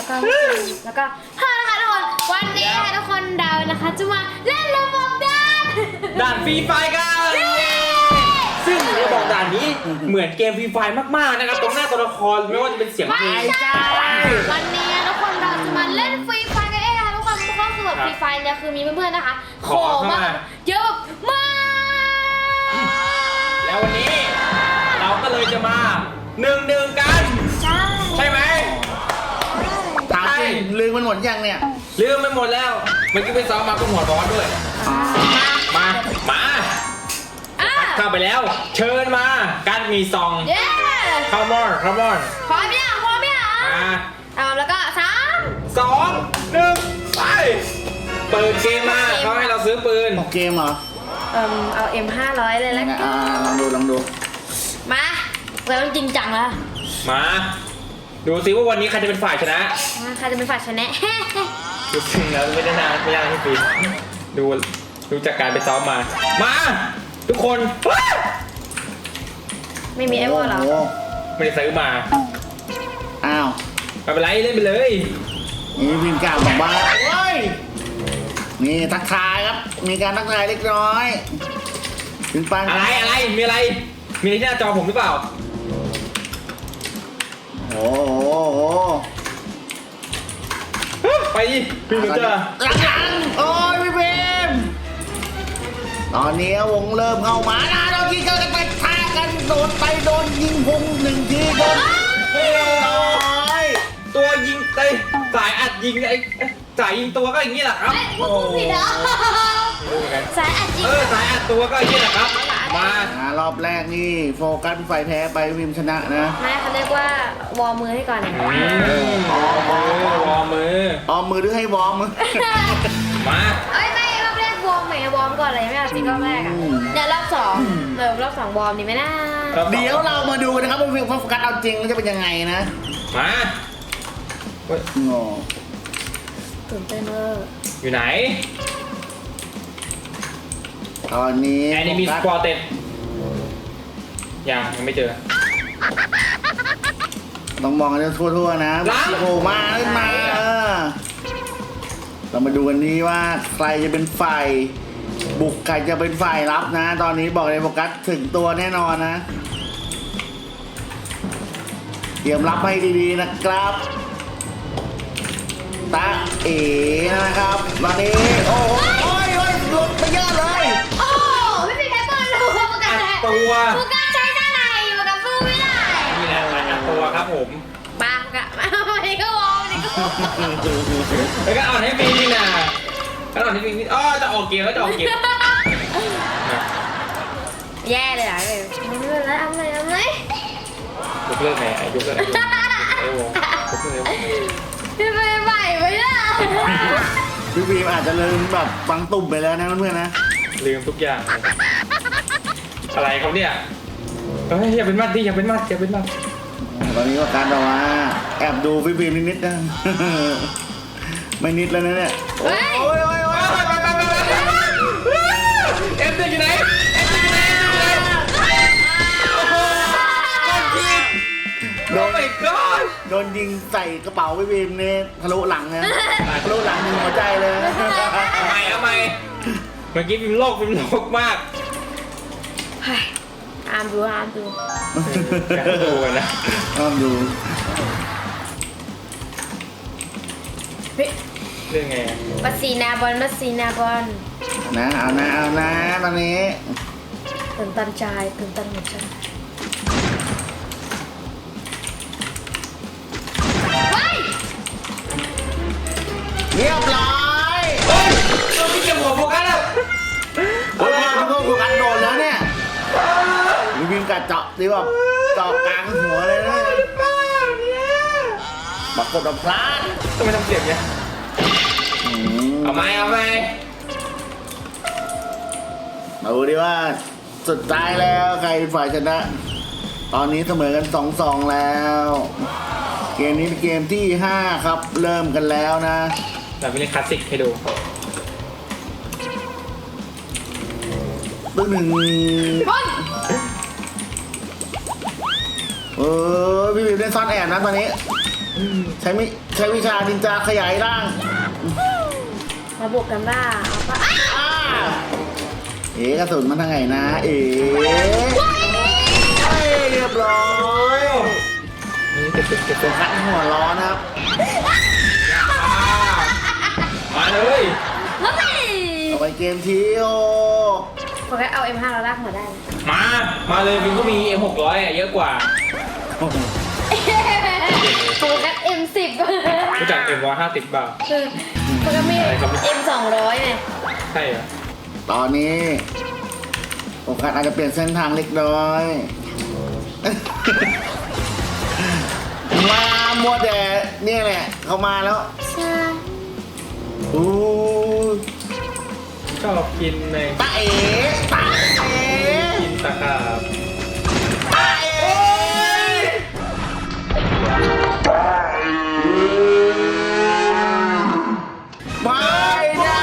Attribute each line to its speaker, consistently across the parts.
Speaker 1: แล้วก็ฮ่านะคะทุกคนวันนี้ค่ะทุกคนดาวนะคะจะมาเล่นระบบด่าน
Speaker 2: ฟรีไฟกันซึ่งระบบด่านนี้เหมือนเกมฟรีไฟมากๆนะครับตรงหน้าตัวละครไม่ว่าจะเป็นเสียงเพลง
Speaker 1: วันนี้ทุกคนเราจะมาเล่นฟรีไฟกันเองค่ะทุกคนก็คือแบบฟรีไฟเนี่ยคือมีเพื่อนๆนะคะขอมาเยอะมาก
Speaker 2: แล้ววันนี้เราก็เลยจะมาหนึ่งกันใช่ไหม
Speaker 3: ถามจริงลืมมันหมดยังเนี่ย
Speaker 2: ลืมไปหมดแล้วเมื่อกี้ไปซ้อมมาก็หัวร้อนด้วยมาเข้าไปแล้วเชิญมาการมีซองเข้ามอนพร้อม
Speaker 1: ไหมเอาแล้วก็3
Speaker 2: 2 1ไปเปิดเกมมาเขาให้เราซื้อปืน
Speaker 3: เกมเหรอ
Speaker 1: เอา M500 เลยแล้วกัน
Speaker 3: ลองดู
Speaker 1: มาเราต้องจริงจังแล้ว
Speaker 2: มาดูซิว่าวันนี้ใครจะเป็นฝ่ายชนะ
Speaker 1: ใครจะเป็นฝ่ายชนะ
Speaker 2: ดูจริงแล้วไม่ได้นานไม่ยากที่ปีดูจากการไปซ้อมมาทุกคน
Speaker 1: ไม่มีไอ้วอลหรอ
Speaker 2: ไม่ได้ซื้อมา
Speaker 3: อ้าว
Speaker 2: ไม่เป็นไรเล่นไปเลย
Speaker 3: นี่พิมพ์กล่าวบอกว่าเฮ้ยนี่ทักทายครับมีการทักทายเล็กน้อยถึงปัน
Speaker 2: อะไรมีอะไรที่หน้าจอผมหรือเปล่า
Speaker 3: โอ้โห
Speaker 2: ไปดิพี่ถึงจะ
Speaker 3: หลังโอ้ยพี่เบมตอนนี้วงเริ่มเข้ามานะโดนยิงกันไปท่ากันโดนยิงพุง1 ทีโดน
Speaker 2: ตัวยิงเตะสายอัดยิงไอ้สายยิงตัวก็อย่างนี้แหละครับ
Speaker 1: โอ้ผิดเหรอสายอัดยิง
Speaker 2: สายอัดตัวก็อย่างนี้แหละครับม
Speaker 3: ารอบแรกนี่โฟกัสไฟแพ้ไปวิมชนะนะ
Speaker 1: ไม่เขาเรียกว่าวอร์มมือให้ก่อน
Speaker 2: วอร์มมือ
Speaker 3: หรือให้วอร์มมือ
Speaker 2: มา
Speaker 1: ไม่รอบแรกวอร์มวอร์มก่อนเลยไม่เอาจริงรอบแรกอ่ะเดี๋ยวรอบ2รอบ2วอร์มดีไหมนะ
Speaker 3: เดี๋ยวเรามาดูนะครับว่าโฟกัสเอาจริงจะเป็นยังไงนะ
Speaker 2: มา
Speaker 1: ตื่นเต้น
Speaker 2: อยู่ไหน
Speaker 3: ตอนนี้
Speaker 2: แอนิมีสปอร์เต็ดยังไม่เจอ
Speaker 3: ต้องมองกันทั่วๆนะโผล่มาขึ้นมาเรามาดูกันนี้ว่าใครจะเป็นฝ่ายบุกใครจะเป็นฝ่ายรับนะตอนนี้บอกเลยโฟกัสถึงตัวแน่นอนนะเตรียมรับให้ดีๆนะครับตาเอ๋นะครับตอนนี้โอ้ยหลุดไปเยอะเลย
Speaker 1: โอ้ไม่เป็นไรเปิดรูโฟกัสใช้ด้านในโฟกัสสู้ไม่ได้
Speaker 2: นี่แหละอัดตัวครับผม
Speaker 1: ปากอะวันนี้ก็วอล
Speaker 2: แล้วก็อ่อนให้ปีนี่นะก็อ่อนให้ปีนี่จะออกเกม
Speaker 1: แย่เลยอ่ะเลยทำไม
Speaker 2: ยกเลิกไหนยกเลิกไหน
Speaker 1: พี่ไปใหม่ไปล่ะ
Speaker 3: พี่บีมอาจจะลืมแบบฟังตุ่มไปแล้วนะเพื่อนๆนะ
Speaker 2: ลืมทุกอย่างอะไรเขาเนี่ยอย่าเป็นมัด
Speaker 3: ตอนนี้ว่าการแบบว่าแอบดูพี่บีมนิดนะไม่นิดแล้วนะเนี่ยโอ้ย
Speaker 2: เอ็มอยู่ไหน
Speaker 3: โดนยิงใส่กระเป๋าพี่บีมนี่ทะลุหลังนะทะลุหลังยิงหัวใจเลย
Speaker 2: ทำไมเมื่อกี้ฟิล์มโลกมาก
Speaker 1: ห้ามดู
Speaker 2: นะ
Speaker 3: ห้ามดู
Speaker 2: เรื่องไง
Speaker 1: มัสซีนาบอลนะ
Speaker 3: เอานะตอนนี้
Speaker 1: ตื่นตันใจตื่นตันหมดใจ
Speaker 3: เรียบร้อย
Speaker 2: พี่เก็บหัวโฟกัสแล้ว
Speaker 3: โฟกัสโดนแล้วเนี่ยวิ่งกัดเจาะดีแบบเจาะกลางหัวเลยนะบักกดดับพลาด
Speaker 2: ทำไมทำเสียงเนี่ยเอาไหม
Speaker 3: มาดูดิว่าสุดท้ายแล้วใครฝ่ายชนะตอนนี้เสมอกัน 2-2 แล้วเกมนี้เป็นเกมที่5ครับเริ่มกันแล้วนะ
Speaker 2: แต่เป็นคลาสสิกให้ดู
Speaker 3: ตึ้งหนึ่งพี่บีมเล่นซ่อนแอบนะตอนนี้ใช้วิชานินจาขยายร่าง
Speaker 1: มาบวกกันบ้าเอาปะอ้าว
Speaker 3: อ้าเอ๋กระสุนมันทางไหนนะ เอ๋เรียบร้อยนี่เก็บคัดหัวร้อนนะครับ
Speaker 2: มาเลย
Speaker 1: เฮ้ย
Speaker 3: เอาไปเกมที่โอ
Speaker 1: โฟกัสเอา M5 เราลากหัวได้นะ
Speaker 2: มาเลยวินก็มี M600 อ่ะเยอะกว่า
Speaker 1: โฟกัส M10
Speaker 2: รู้จัก M150 บ้าง
Speaker 1: คือโฟกัสมี M200 เนี่ย
Speaker 2: ใช่เหรอ
Speaker 3: ตอนนี้โอกาสอาจจะเปลี่ยนเส้นทางเล็กน้อย มามัวแต่เนี่ยแหละ เขามาแล้ว
Speaker 1: ใช่
Speaker 3: อู้
Speaker 2: ชอบกินใน
Speaker 3: ตาเอ๋ตาเอ๋
Speaker 2: กินตะขาบ
Speaker 3: ตาเอ๋ไม่ได้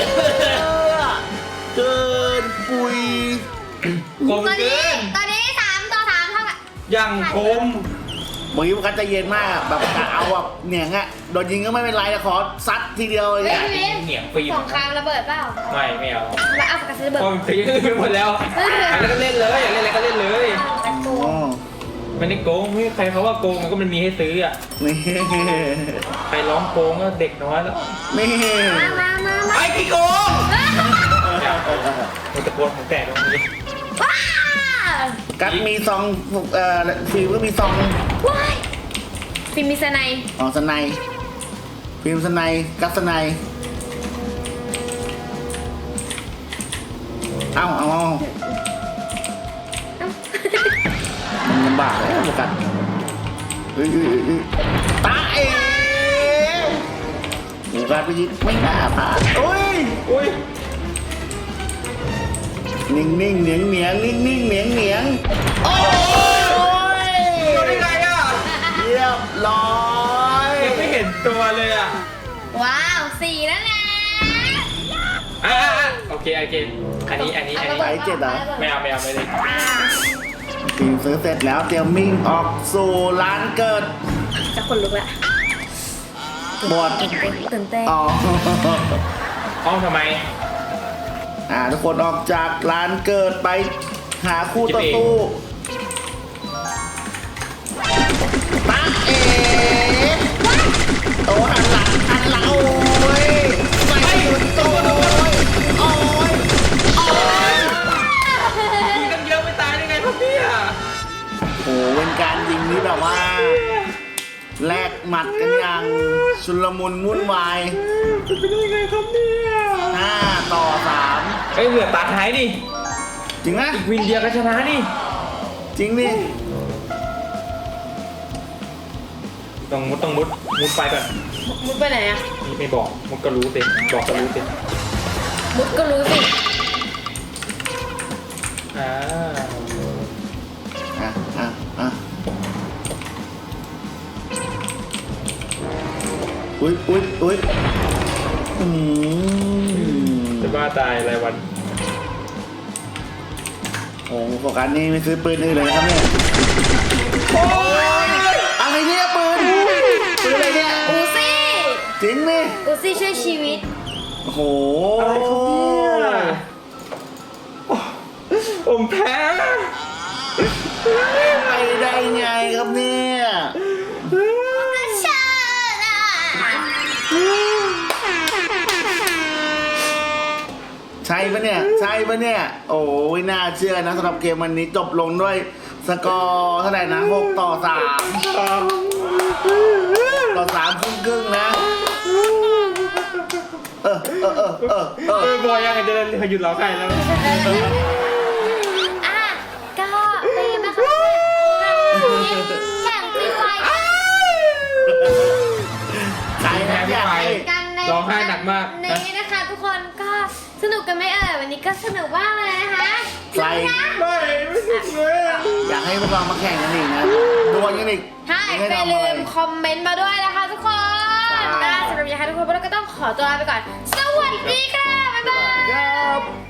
Speaker 3: เกินปุย
Speaker 2: คม
Speaker 1: ตอน
Speaker 2: เกิ
Speaker 1: นี้
Speaker 2: น
Speaker 1: ตอนนี้3 ต่อ 3เท่ากัน
Speaker 2: ยังคม
Speaker 3: เมื่อกี้มันก็จะเย็นมากแบบกะเอาแบบเหนียงอะโดนยิงก็ไม่เป็นไรแต่ขอซัดทีเดียวเลย
Speaker 1: เฮ้ย
Speaker 3: เนี่ย
Speaker 1: พี่วิน
Speaker 2: เหนียงฟรี
Speaker 1: สงครามระเบิดเปล่า
Speaker 2: ไม่เอา
Speaker 1: มาเอาโฟกัสระเบิด
Speaker 2: พอมันตีไปหมดแล้วอะไรก็เล่นเลยอยากเล่นอะไรก็เล่นเลย
Speaker 1: ตะโก
Speaker 3: อ๋อน
Speaker 2: ไม่ได้โกงไม่ใครเขาว่าโกงมันก็มันมีให้ซื้ออ่ะ
Speaker 3: นี่
Speaker 2: ใครร้องโกงก็เด็กน้อยแล้ว
Speaker 3: นี่
Speaker 1: มา
Speaker 2: ไอ้ขี้โกงอย่ามันตะโกนของแตกตรงนี้
Speaker 1: ว้า
Speaker 3: กัดมีซองฟิล์มก็มีซอง
Speaker 1: ว้ายฟิล์มมีสไนด์
Speaker 3: อ๋อสไนฟิล์มสไนกัดสไนเอามันลำบากเลยโฟกัสตาเอ๋โฟกัสไปยิงไม่น่าพลาดโอ้ย
Speaker 2: อุ้ย
Speaker 3: นิ่งเหนียงเหนียงโอ้ย
Speaker 2: โดนได้ไงอ่ะ
Speaker 3: เรียบร้อย
Speaker 2: ยังไม่เห็นตัวเลยอ่ะ
Speaker 1: ว้าว4แล้วนะ
Speaker 2: โอเคอันนี้ไม่เอาไม่เลย
Speaker 3: ฟิล์มซื้อเสร็จแล้วเตรียมมิ่งออกสู่ร้านเกิด
Speaker 1: จะขนลุกละ
Speaker 3: บอด
Speaker 1: ตื่นเต้น
Speaker 3: อ๋อ
Speaker 2: ห้องทำไม
Speaker 3: ทุกคนออกจากร้านเกิดไปหาคู่ต่อสู้ตาเอ๋โอ้หันหลังโอ้ยใส่หุ่นโอ้ย
Speaker 2: ยิงกันเยอะไม่ตายได้ไงพ่อพี่อ่ะ
Speaker 3: โอ้เป็นการยิงที่แบบว่าแลกหมัดกันอย่างชุลมุนวุ่นวาย
Speaker 2: เป็นไปได้ไงครับเนี่ย
Speaker 3: 5 ต่อ 3
Speaker 2: เอ้ยเหลือตาท้ายนี่
Speaker 3: จริงนะ
Speaker 2: อีกวินเดียวก็ชนะนี่
Speaker 3: จริงดิ
Speaker 2: ต้องมุดไปก่อน
Speaker 1: มุดไปไหนอะ
Speaker 2: นี่ไม่บอกมุดก็รู้สิบอกก็รู้สิ
Speaker 1: มุดก็รู้สิ
Speaker 2: อ่า
Speaker 3: อุ้ย
Speaker 2: จะบ้าตายรายวัน
Speaker 3: โอ้โฟกัสนี่ไม่ซื้อปืนอื่นเลยนะครับเนี่ยโอ้ยอะไรเนี่ยปืนอะไรเนี่ย
Speaker 1: อูซี่
Speaker 3: จริงนี่
Speaker 1: อูซี่ช่วยชีวิต
Speaker 3: โอ้โห
Speaker 2: อะไรครับเนี่ยผมแพ้
Speaker 3: ไปได้ไงครับเนี่ย
Speaker 1: ชาลา
Speaker 3: ใช่ปะเนี่ยโอ้ยน่าเชื่อนะสำหรับเกมวันนี้จบลงด้วยสกอร์เท่าไหร่นะ6 ต่อ 3 ต่อ 3 ครึ่งนะ
Speaker 2: บอยยังจะหยุดร้องไห้แล้ว
Speaker 1: ก็เป็นนะคะแข่งฟรีไฟ
Speaker 3: ใครนะเนี่ย
Speaker 1: กันใน
Speaker 2: ร้องไห้หนักมาก
Speaker 1: นี้นะคะทุกคนก็สนุกกันไหมวันนี้ก็สนุกมากเลยนะคะ
Speaker 3: ใคร
Speaker 2: ไม่สุดเลย
Speaker 3: อยากให้พวกเรามาแข่งกันอีกนะดวลกันอีก
Speaker 1: ใช่อย่าลืมคอมเมนต์มาด้วยนะคะทุกคนสำหรับยังไงทุกคนพวกเราก็ต้องขอตัวลาไปก่อน สวัสดีค่ะ บ๊ายบาย
Speaker 3: ครับ